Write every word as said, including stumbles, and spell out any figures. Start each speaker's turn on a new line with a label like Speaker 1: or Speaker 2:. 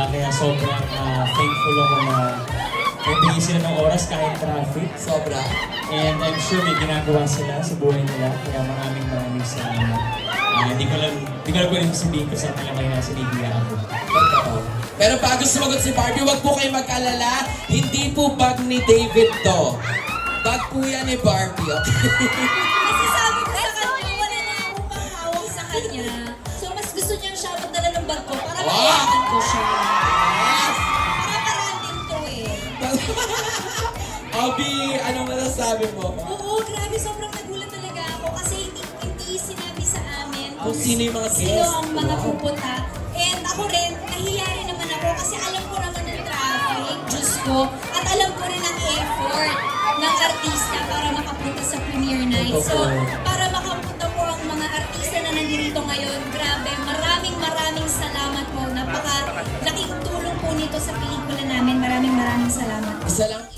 Speaker 1: Uh, kaya sobrang uh, thankful ako na nagbigay sila ng oras kahit traffic.
Speaker 2: Sobra.
Speaker 1: And I'm sure may ginagawa sila sa buhay nila. Kaya maraming maraming salamat. Uh, Hindi ko lang, hindi ko lang pwedeng sabihin ko sa kanila kaya nasa Libya ako.
Speaker 2: Totoo. Pero bago sumagot si Barbie, wag po kayo mag-alala. Hindi po bag ni David to. Bag po yan ni Barbie, okay?
Speaker 3: Kasi sabi ko sa kanya, wala na akong mahawak sa kanya. So mas gusto niyang siya magdala ng bag ko para
Speaker 2: Wow!
Speaker 3: mayayakan ko siya.
Speaker 2: Yes!
Speaker 3: Para parang din to eh.
Speaker 2: Abby, anong masasabi mo?
Speaker 3: Oo, grabe, sobrang nagulat talaga ako kasi hindi, hindi sinabi sa amin
Speaker 2: Kung sino yung mga
Speaker 3: sino
Speaker 2: guest.
Speaker 3: ang mga
Speaker 2: Wow.
Speaker 3: pupunta. And ako rin, nahiya rin naman ako kasi alam ko naman ng traffic, Diyos ko, at alam ko rin ang effort ng artista para makapunta sa premiere night. So, para makapunta po ang mga artista na nandito ngayon, grabe, maraming maraming salamat po. Napaka laking tulong po nito sa pelikula namin. Maraming maraming salamat.
Speaker 2: Isa lang